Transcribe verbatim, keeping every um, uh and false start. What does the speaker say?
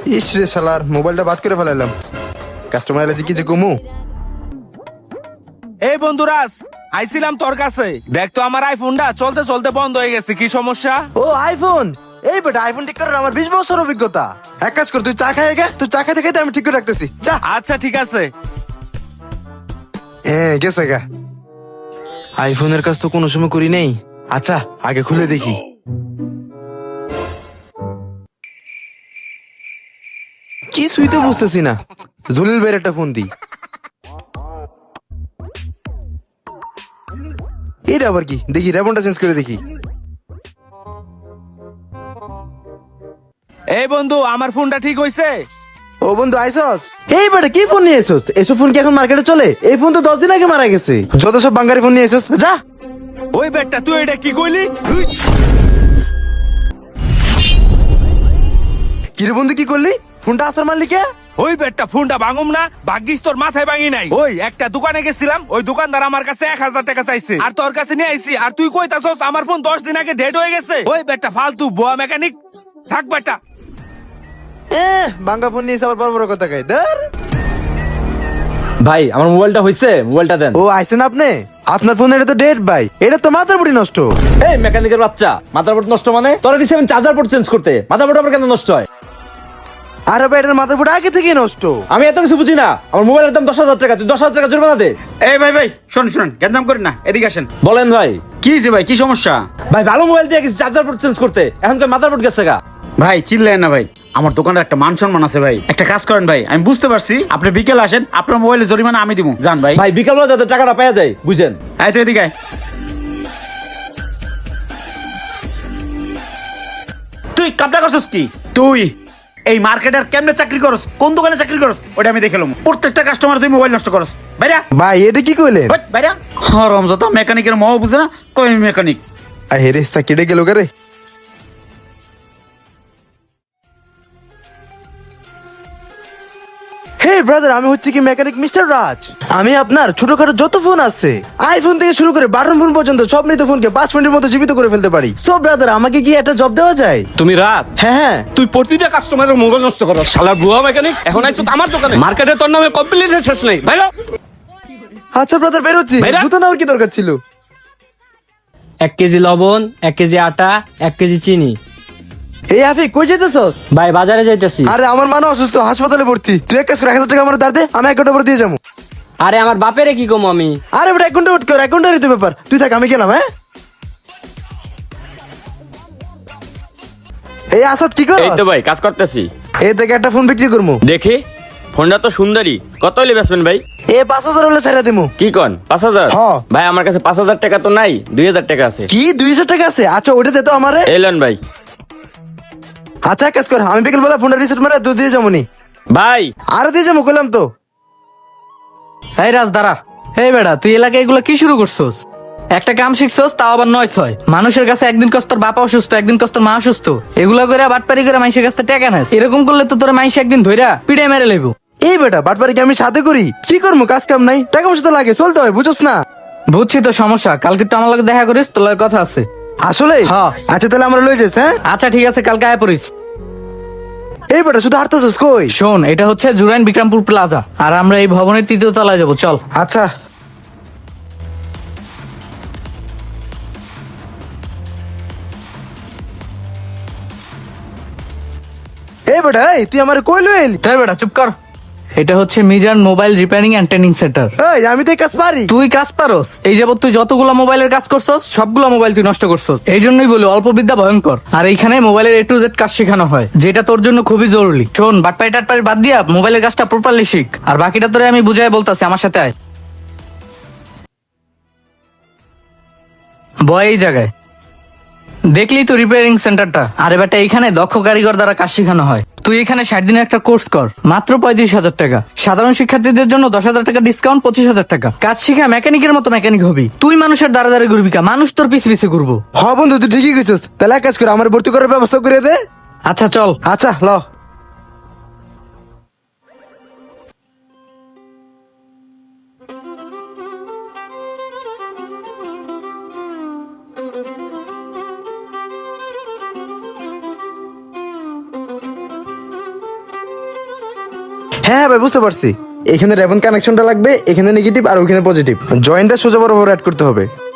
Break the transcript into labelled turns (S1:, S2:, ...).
S1: ইস রে শালার মোবাইলটা বাদ করে ফেলাইলাম। কাস্টমার এলে কি যে কমু।
S2: এই বন্ধুরাজ, আইছিলাম তোর কাছে। দেখ তো আমার আইফোনটা চলতে চলতে বন্ধ হয়ে গেছে, কি সমস্যা?
S1: ও আইফোন, এই বেটা আইফোন ঠিক করার আমার বিশ বছর অভিজ্ঞতা। এক কাজ কর, তুই চা খাই গে, তুই চা খাইতে খাইতে আমি ঠিক করে রাখতেছি। চা।
S2: আচ্ছা ঠিক আছে।
S1: হ্যাঁ গেছে গা। আইফোনের কাজ তো কোনো সময় করি নেই। আচ্ছা আগে খুলে দেখি। কিছুই তো বুঝতেছি না। জলিল ভাইয়ের একটা ফোন দিই। এটা আবার কি দেখি, রেবনটা চেঞ্জ করে দেখি।
S2: এই বন্ধু, আমার ফোনটা ঠিক হইছে?
S1: ও বন্ধু আইসস, এই বেটা কি ফোন নিয়ে এসোস? এসব ফোন কি এখন মার্কেটে চলে? এই ফোন তো দশ দিন আগে মারা গেছে। যত সব বাঙ্গারি ফোন নিয়ে এসোস, যা।
S2: ওই বেটা, তুই এটা কি কইলি?
S1: কিরে বন্ধু কি করলি? ফোনটা আসার মারলি কে?
S2: ওই বেটা, ফোনটা ভাঙুম না, ভাগ্যিস তোর মাথায় ভাঙি নাই। ওই একটা দোকানে গেছিলাম, ওই দোকানদার আমার কাছে এক হাজার টাকা চাইছে, আর তোর কাছে নিয়ে আইছি, আর তুই কইতাছস আমার ফোন দশ দিন আগে ডেট হয়ে গেছে। ওই বেটা ফালতু বুয়া মেকানিক। থাক বেটা।
S1: এ বাঙ্গা ফোন নিয়ে এসে আবার বড় বড় কথা কয়। ধর।
S3: ভাই আমার মোবাইলটা হইছে, মোবাইলটা দেন।
S1: ও আইছেন আপনি? আপনার ফোন এটা তো ডেট ভাই, এটা তো মাথার বুড়ি নষ্ট।
S3: এই মেকানিকের বাচ্চা, মাদারবোর্ড নষ্ট মানে? তোরা দিছি আমি চার্জার পোর্ট চেঞ্জ করতে, মাদারবোর্ড আবার কেন নষ্ট হয়?
S1: আরে ভাই এটার মাথার বুড়ি আগে থেকেই নষ্ট।
S3: আমি এত কিছু বুঝি না। আমার মোবাইলের দাম দশ হাজার টাকা, তুই দশ হাজার টাকা জরিমানা দে।
S4: এই ভাই ভাই শোন শোন, গ্যাঞ্জাম করেন না, এদিকে আসেন।
S3: বলেন ভাই।
S4: কি হয়েছে ভাই, কি সমস্যা?
S3: ভাই ভালো মোবাইল দিয়ে গেছি চার্জার পোর্ট চেঞ্জ করতে, এখন কই মাদারবোর্ড গেছে গা।
S4: ভাই চিল্লেন না ভাই, আমার দোকানের একটা মান সম্মান আছে ভাই। একটা কাজ করেন ভাই, আমি বুঝতে পারছি আপনি বিকেল আসেন, আপনার মোবাইলে জরিমানা আমি দিব। যান ভাই।
S3: ভাই বিকালবেলা যাতে টাকাটা পাওয়া যায়, বুঝেন?
S4: এই তো এদিকে আয়। তুই কাপড়া করছিস কি? তুই এই মার্কেটের কেমনে চাকরি করস, কোন দোকানে চাকরি করস ওটা আমি দেখলাম। প্রত্যেকটা কাস্টমার তুই মোবাইল নষ্ট করস। বাইরা
S1: ভাই এটা কি কইলেন?
S4: হট, বাইরা। হ্যাঁ রমজাদা মেকানিকের মহ বুঝে না, কই মেকানিক।
S1: আরে রে সাকিডে গেল রে। হে ব্রাদার, আমি হচ্ছে কি মেকানিক মিস্টার রাজ। আমি আপনার ছোটখাটো যত ফোন আছে, আইফোন থেকে শুরু করে বাটন ফোন পর্যন্ত সব মৃত ফোনকে পাঁচ মিনিটের মধ্যে জীবিত করে ফেলতে পারি। সো ব্রাদার, আমাকে কি একটা জব দেওয়া যায়?
S5: তুমি রাজ?
S1: হ্যাঁ হ্যাঁ।
S5: তুই প্রতিটা কাস্টমারের মোবাইল নষ্ট করো, শালা বুয়া মেকানিক। এখন আইছো তো আমার দোকানে, মার্কেটে তোর নামে কমপ্লিট শেষ নেই। ভাইরা
S1: আচ্ছা ব্রাদার বেরোচ্ছি।
S5: ভাইরা?
S1: জুতো নেওয়ার কি দরকার ছিল?
S6: এক কেজি লবণ, এক কেজি আটা, এক কেজি চিনি।
S1: এই আফিক কই যেতেছস?
S6: ভাই বাজারে যাইতেছি।
S1: আরে আমার মা না অসুস্থ, হাসপাতালে ভর্তি। তুই এক কাজ করে এক হাজার টাকা আমার দাঁড় দে, আমি এক ঘন্টা পর দিয়ে যাবো।
S6: আরে আমার বাপেরে কি কম আমি?
S1: আরে বেটা এক ঘন্টা ওয়েট কর, এক ঘন্টারই তো ব্যাপার। তুই থাক, আমি গেলাম। হ্যাঁ এই আসাদ কি কর?
S5: এই তো ভাই কাজ করতেছি।
S1: এই থেকে একটা ফোন বিক্রি করবো।
S5: দেখি ফোনটা তো সুন্দরী, কত হইলে বেচবেন ভাই?
S1: এ পাঁচ হাজার হলে ছেড়ে দিমু।
S5: কি কন পাঁচ হাজার?
S1: হ্যাঁ।
S5: ভাই আমার কাছে পাঁচ হাজার টাকা তো নাই, দুই হাজার টাকা আছে।
S1: কি দুইশো টাকা আছে? আচ্ছা ওটা দে তো আমারে।
S5: এলেন ভাই।
S1: আচ্ছা এক কাজ কর, আমি বিকেল বেলা ফোনটা রিসেট মারে দুধ দিয়ে যাবো নি।
S5: ভাই
S1: আরো দিয়ে যাবো কইলাম তো।
S6: এই রাজ দাঁড়া। এই বেটা, তুই এলাকায় এগুলো কি শুরু করছস? একটা কাম শিখছস, তাও আবার নয় ছয়। মানুষের কাছে একদিন কস তোর বাবা অসুস্থ, একদিন কস তোর মা অসুস্থ, এগুলা করে বাটপারি করে মাইসের কাছে টাকা নেস। এরকম করলে তো তোর মাইস একদিন ধইরা পিড়ে মেরে লইবো।
S1: এই বেটা বাটপারি কি আমি সাথে করি? কি করবো, কাজ কাম নাই, টাকা পয়সা তো লাগে, চলতে হয়, বুঝছ না?
S6: বুঝছি তো সমস্যা, কালকে একটু আমার লগে দেখা করিস, তোর লগে কথা আছে।
S1: আসলে
S6: হ্যাঁ।
S1: আচ্ছা তাহলে আমরা লই যাস। হ্যাঁ
S6: আচ্ছা ঠিক আছে, কালকে আয় পড়িস।
S1: এই বেটা শুধু হাঁটতেছিস কই?
S6: শোন, এটা হচ্ছে জুরাইন বিক্রমপুর প্লাজা, আর আমরা এই ভবনের তৃতীয় তলায় যাবো, চল।
S1: আচ্ছা এই বেটা, এই তুই আমার কই লই এলি?
S6: তাই বেটা চুপ কর। এটা হচ্ছে Mizan mobile repairing and training centre.
S1: এই আমি তো এই কাজ পারি।
S6: তুই কাজ পারস? এই যাবত তুই যতগুলো মোবাইলের কাজ করছস সবগুলো মোবাইল তুই নষ্ট করছস। এই জন্যই বলি অল্প বিদ্যা ভয়ঙ্কর। আর এইখানে মোবাইলের এ টু জেড কাজ শেখানো হয়, যেটা তোর জন্য খুবই জরুরি। শোন, বাটপাই টাটপাই বাদ দিয়া মোবাইলের কাজটা প্রপারলি শিখ, আর বাকিটা তোরে আমি বুঝাই বলতাছি, আমার সাথে আয়। বয় এই জায়গায়। দেখলি তো রিপেয়ারিং সেন্টারটা? আরে বেটা, এখানে দক্ষ কারিগর দ্বারা কাজ শেখানো হয়। তুই এখানে ষাট দিনের একটা কোর্স কর, মাত্র পঁয়ত্রিশ হাজার টাকা। সাধারণ শিক্ষার্থীদের জন্য দশ হাজার টাকা ডিসকাউন্ট, পঁচিশ হাজার টাকা। কাজ শিখা মেকানিকের মতো মেকানিক হবি। তুই মানুষের দ্বারা দ্বারা ঘুরবি কা, মানুষ তোর পিছে পিছে ঘুরবো।
S1: হ বন্ধু তুই ঠিকই কইছিস। তাহলে এক কাজ করে আমার ভর্তি করার ব্যবস্থা করে দে।
S6: আচ্ছা চল।
S1: আচ্ছা ল। হ্যাঁ ভাই বুঝতে পারছি। এখানে রেভেন কানেকশনটা লাগবে, এখানে নেগেটিভ আর ওখানে পজিটিভ। জয়েন্টটা সোজা বরাবর অ্যাড করতে হবে।